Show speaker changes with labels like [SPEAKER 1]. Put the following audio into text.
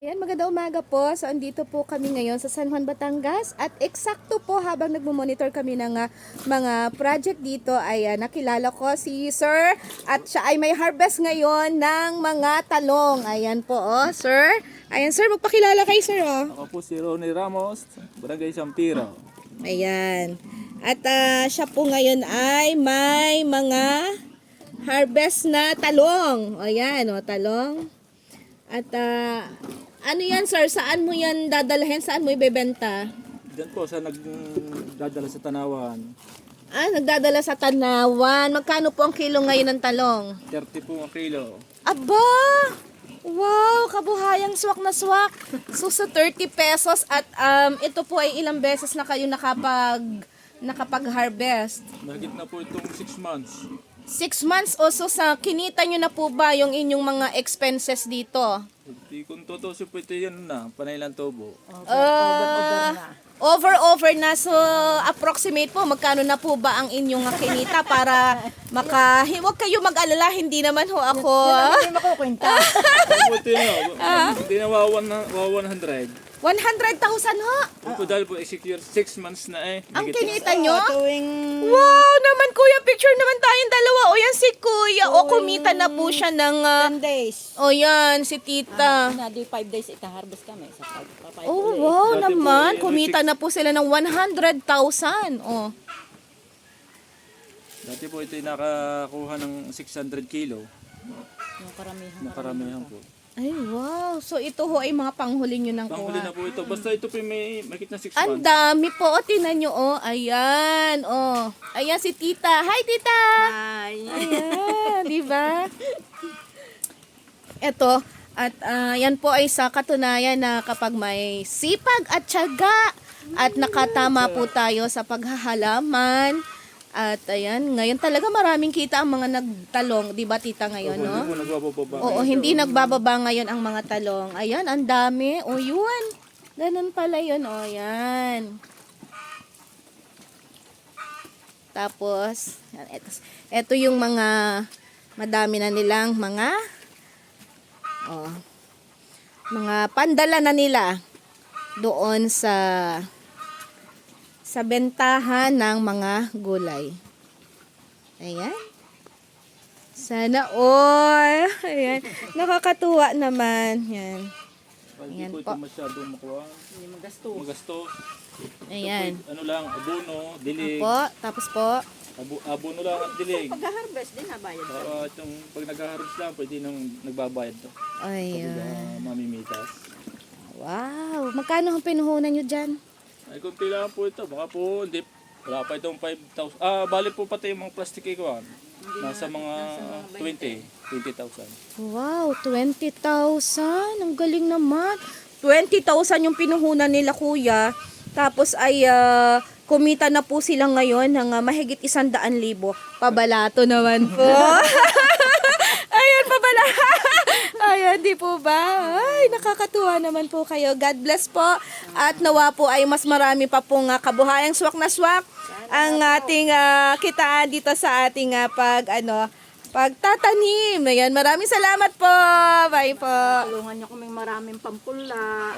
[SPEAKER 1] Ayan, magandang umaga po. So, andito po kami ngayon sa San Juan, Batangas. At eksakto po habang nagmo-monitor kami ng mga project dito ay nakilala ko si Sir. At siya ay may harvest ngayon ng mga talong. Ayan po, Sir. Ayan, Sir, magpakilala kay Sir,
[SPEAKER 2] Ako po si Ronnie Ramos, Barangay Sampiro.
[SPEAKER 1] Ayan. At siya po ngayon ay may mga harvest na talong. Ayan, talong. At ano yan, sir? Saan mo yan dadalhin? Saan mo ibebenta?
[SPEAKER 2] Diyan po sa nagdadala sa Tanawan.
[SPEAKER 1] Nagdadala sa Tanawan. Magkano po ang kilo ngayon ng talong?
[SPEAKER 2] 30 po ang kilo.
[SPEAKER 1] Aba! Wow! Kabuhayang swak na swak. So, sa 30 pesos at ito po ay ilang beses na kayo nakapag-harvest?
[SPEAKER 2] Mahigit na po itong 6 months.
[SPEAKER 1] 6 months o so sa kinita nyo na po ba yung inyong mga expenses dito?
[SPEAKER 2] Hindi kung totoo po ito yan na, panay lang tubo.
[SPEAKER 1] Over na. So, approximate po, magkano na po ba ang inyong kinita para huwag kayo mag-alala, hindi naman ho ako.
[SPEAKER 3] Hindi makukwenta.
[SPEAKER 2] Ano po ito yun? Hindi na wawa 100.
[SPEAKER 1] 100,000 ho.
[SPEAKER 2] Ito dahil po secure 6 months na eh.
[SPEAKER 1] Ang
[SPEAKER 2] Higit
[SPEAKER 1] kinita nyo?
[SPEAKER 3] Tuwing
[SPEAKER 1] Wow naman kuya, picture naman tayong dalawa. O yan si kuya. O kumita na po siya ng...
[SPEAKER 3] 10 days.
[SPEAKER 1] o yan, si tita.
[SPEAKER 3] Na di 5 days ita-harvest kami sa pagpapay.
[SPEAKER 1] Oh wow
[SPEAKER 2] Dati po,
[SPEAKER 1] naman.
[SPEAKER 2] eh,
[SPEAKER 1] Kumita na po sila ng 100,000. Oh.
[SPEAKER 2] Dati po ito nakakuha ng 600 kilo.
[SPEAKER 3] Yung karamihan.
[SPEAKER 2] Na karamihan po.
[SPEAKER 1] Ay wow. So ito ho ay mga panghuli nyo ng
[SPEAKER 2] Panghuli
[SPEAKER 1] kuha.
[SPEAKER 2] na po ito. Basta ito po may makit na 6
[SPEAKER 1] Ang
[SPEAKER 2] months.
[SPEAKER 1] dami po. O, tinan nyo, Ayan, Ayan si tita. Hi, tita!
[SPEAKER 3] Ay.
[SPEAKER 1] Ayan, di ba? Ito, at yan po ay sa katunayan na kapag may sipag at tiyaga at nakatama po tayo sa paghahalaman. At ayan, ngayon talaga maraming kita ang mga nagtalong. Di ba, tita, ngayon,
[SPEAKER 2] Hindi
[SPEAKER 1] no?
[SPEAKER 2] po nagbababa.
[SPEAKER 1] Oo, hindi nagbababa ngayon ang mga talong. Ayan, ang dami. O, yun. Ganun pala yun. O, yan. Tapos, yan, eto yung mga madami na nilang mga pandala na nila doon sa bentahan ng mga gulay. Ayan. Sana all. Ayan. Nakakatuwa naman. Yan.
[SPEAKER 2] Hindi
[SPEAKER 1] Ayan
[SPEAKER 2] po
[SPEAKER 1] po.
[SPEAKER 2] ito masyadong makuha.
[SPEAKER 3] Hindi magasto.
[SPEAKER 2] Magastos.
[SPEAKER 1] Ayan.
[SPEAKER 2] Ano lang, abono, dilig.
[SPEAKER 1] Po, tapos po.
[SPEAKER 2] Abono lang at dilig.
[SPEAKER 3] Pag-harvest din nabayad.
[SPEAKER 2] Para itong pag nag-harvest lang, pwede nang nagbabayad to.
[SPEAKER 1] Ayan.
[SPEAKER 2] Pag mamimitas.
[SPEAKER 1] Wow. Magkano ang pinuhunan nyo dyan?
[SPEAKER 2] Ay, kunti lang po ito. Baka po, hindi. Wala pa itong 5,000. Bali po pati yung mga plastic ikuan. Nasa mga 20,000.
[SPEAKER 1] Wow, 20,000. Ang galing naman. 20,000 yung pinuhunan nila, kuya. Tapos ay kumita na po sila ngayon ng mahigit 100,000. Pabalato naman po. Ayan, pabalato. Ayan, di po ba? Ay, nakakatuwa naman po kayo. God bless po. At nawa po ay mas marami pa pong kabuhayang swak na swak ang ating kitaan dito sa ating pagtatanim. Ayan, maraming salamat po. Bye po.
[SPEAKER 3] Tulungan niyo kaming maraming pampula.